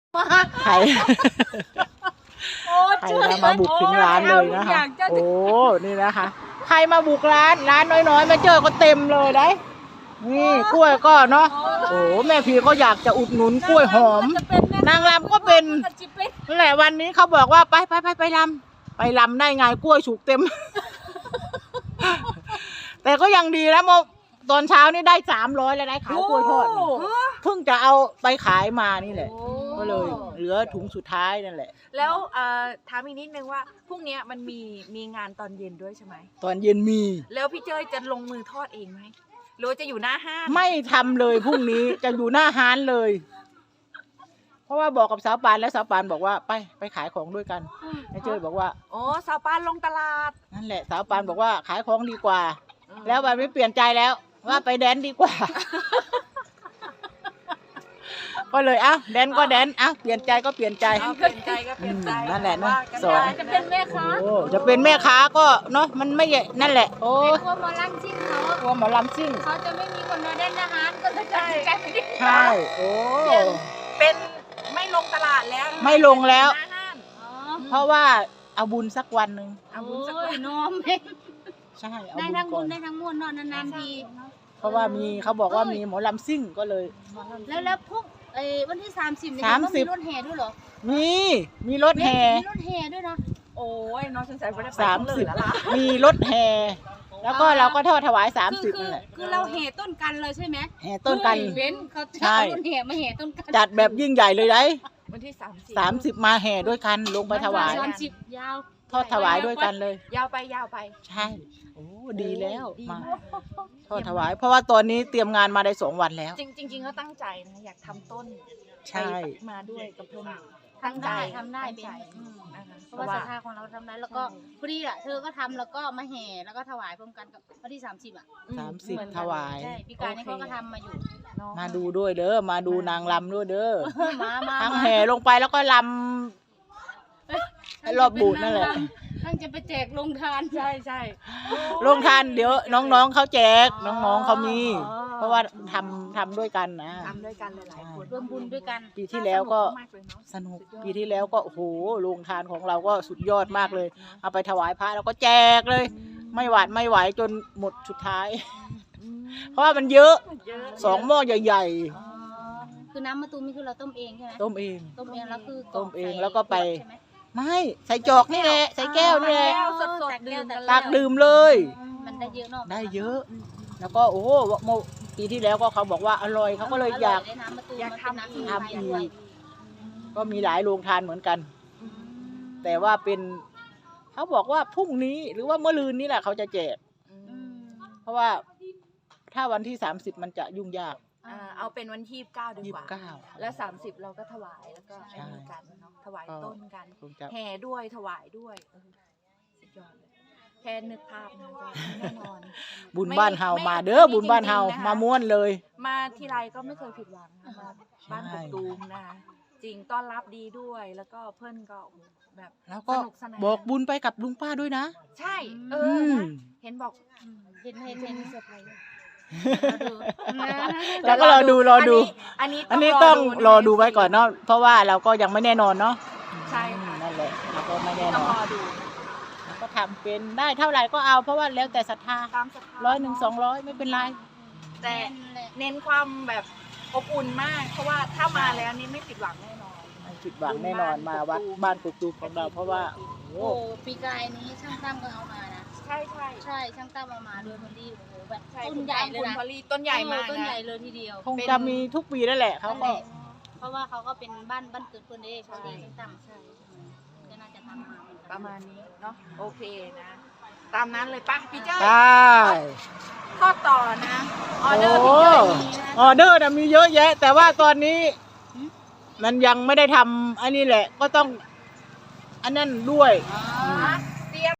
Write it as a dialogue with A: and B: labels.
A: ใครใครมาบุกถึงร้านเลยนะคะโอ้นี่นะคะใครมาบุกร้านน้อยๆมาเจอก็เต็มเลยได้นี่กล้วยก็เนาะโอ้แม่พีก็อยากจะอุดหนุนกล้วยหอมนางรำก็เป็นนั่นแหละวันนี้เขาบอกว่าไปรำได้ไงกล้วยสุกเต็ม แต่ก็ยังดีแล้วตอนเช้านี่ได้300แล้วได้ขายกล้วยทอดเพิ่งจะเอาไปขายมานี่แหละก็เลยเหลือถุงสุดท้ายนั่นแหละ
B: แล้วถามอีกนิดนึงว่าพรุ่งนี้มันมีงานตอนเย็นด้วยใช่ไหม
A: ตอนเย็นมี
B: แล้วพี่เจ้ยจะลงมือทอดเองไหมหรือจะอยู่หน้าห้าง
A: ไม่ทำเลยพรุ่งนี้จะอยู่หน้าห้านเลย เพราะว่าบอกกับสาวปานแล้วสาวปานบอกว่าไปขายของด้วยกันไอ้เจ้ยบอกว่า
B: โอ้สาวปานลงตลาด
A: นั่นแหละสาวปานบอกว่าขายของดีกว่าแล้ววันไม่เปลี่ยนใจแล้วว่าไปแดนดีกว่า ก็เลยแดนก็แดนเปลี่ยนใจก็เปลี่ยนใจนั่นแหละนะสอน
B: จะเป็นแม่ค้า
A: จะเป็นแม่ค้าก็เนาะมันไม่นั่นแหละโอ้
C: กลัวหมอลำซิ่ง
A: กลัวหมอลำซิ่ง
C: เขาจะไม่มีคนมาเล่นอาหารก็จะใ
A: ช่โอ้
B: เป็นไม่ลงตลาดแล้ว
A: ไม่ลงแล้วเพราะว่าเอาบุญสักวันหนึ่ง
B: เอาบุญสักวัน
C: น้อม
A: ใช่
C: ได้ทั้งบุญได้ทั้งมวลนานๆที
A: เพราะว่าเขาบอกว่ามีหมอลำซิ่งก็เลย
C: แล้วพวกวันที่30เนี่ยมีรถแห่ด้วยเหรอ
A: มีรถแห่
C: มีรถแห่ด้วยนะ
B: โอ้ยน้องสงสัยไม่ได้ไป
A: 30มีรถแห่แล้วก็เราก็ทอดถวาย30นั่นแหละ
C: คือเราแห่ต้นกันเลยใช่ไหม
A: แห่ต้นกัน
C: เว้นเขาจะเอารถแห่มาแห่ต้นกัน
A: จัดแบบยิ่งใหญ่เลยได้
B: วันที่
A: 30มาแห่ด้วยกันลงไปถวาย
C: 30ยาว
A: ทอดถวายด้วยกันเลย
B: ยาวไป
A: ใช่โอ้ดีแล้วมาทอดถวายเพราะว่าตอนนี้เตรียมงานมาได้2 วันแล้ว
B: จริงๆก็ตั้งใจนะอยากทำต้น
A: ใช่
B: มาด้วยกับเพื่อน
C: ทำได้เพราะว่าศรัทธาของเราทำได้แล้วก็พอดีเธอก็ทำแล้วก็มาแห่แล้วก็ถวายพร้อมกันกับวันที่
A: 30ถวาย
C: ใช่พี่การนี่เขาก็ทำมาอยู่
A: มาดูด้วยเด้อมาดูนางรำด้วยเด้อทั้งแห่ลงไปแล้วก็รำรอบบูธนั่นแหละ
C: ทั้งจะไปแจกลงทาน
B: ใช่
A: ลงทานเดี๋ยวน้องๆเขาแจกน้องๆเขามีเพราะว่าทำด้วยกันนะ
B: ทำด้วยกันหลายๆคน
C: ร่วมบุญด้วยกัน
A: ปีที่แล้วก็สนุกปีที่แล้วก็โอ้โหโรงทานของเราก็สุดยอดมากเลยเอาไปถวายพระแล้วก็แจกเลยไม่หวาดไม่ไหวจนหมดสุดท้ายเพราะว่ามันเยอะ2 หม้อใหญ่
C: ๆคือน้ำมะตูมนี่คือเราต้มเองใช่ไหม
A: ต้มเอง
C: แล้วคือ
A: ต้มเองแล้วก็ไปไม่ใส่จอกนี่แหละใส่แก้วนี่แหละตักดื่มเลย
C: มันได้เยอะเนาะ
A: ได้เยอะแล้วก็โอ้โหปีที่แล้วก็เขาบอกว่าอร่อยเขาก็เลยอยากทำอีกก็มีหลายโรงทานเหมือนกันแต่ว่าเป็นเขาบอกว่าพรุ่งนี้หรือว่าเมื่อลืนนี้แหละเขาจะแจกเพราะว่าถ้าวันที่30มันจะยุ่งยาก
B: เอาเป็นวันที่29ดีกว่าแล้ว30เราก็ถวายแล้วก็ให้กันเนาะถวายต้นกันแห่ด้วยถวายด้วยสุดยอดเลยแค่นึกภาพนะแน่นอน
A: บุญบ้านเฮามาเด้อบุญบ้านเฮามาม้วนเลย
B: มาทีไรก็ไม่เคยผิดหวังมาบ้านกบตูมนะจริงต้อนรับดีด้วยแล้วก็เพื่อนก็แบบ
A: แล้วก็บอกบุญไปกับลุงป้าด้วยนะ
B: ใช่เห็นบอก
C: เห็นเซอร์ไพรส์
A: แล้วก็รอดูอันนี้ต้องรอดูไว้ก่อนเนาะเพราะว่าเราก็ยังไม่แน่นอนเนาะ
B: ใช่
A: นั่นแหละเราก็ไม่แน่นอนเราก็ทำเป็นได้เท่าไหร่ก็เอาเพราะว่าแล้วแต่ศรัทธา100 200ไม่เป็นไร
B: แต่เน้นความแบบอบอุ่นมากเพราะว่าถ้ามาแล้วนี่ไม่ผิดหวังแน่นอน
A: ไม่ผิดหวังแน่นอนมาวัดบ้านกกตูมของเราเพราะว่า
C: โอ้ปีกายนี้ช่างตั้มก็เอามานะ
B: ใช่
C: ช่างตั้มเอามาด้วยพอดีโอ้โหแบบต้นใหญ่เลยนะ
B: ต้นใหญ่มาก
C: ต้นใหญ่เลยทีเดียว
A: คงจะมีทุกปีนั่นแหละเขาก็
C: เพราะว่าเขาก็เป็นบ้านเกิดคนเองพอดีช่างตั้มใช่ก็น่าจะทำมา
B: ประมาณนี้เนาะโอเคนะตามนั้นเลยป่ะพี่เจ้าทอดต่อนะออเดอร์พี่เจ้า
A: ออเดอร์มีเยอะแยะแต่ว่าตอนนี้มันยังไม่ได้ทำอันนี้แหละก็ต้องอันนั้นด้วย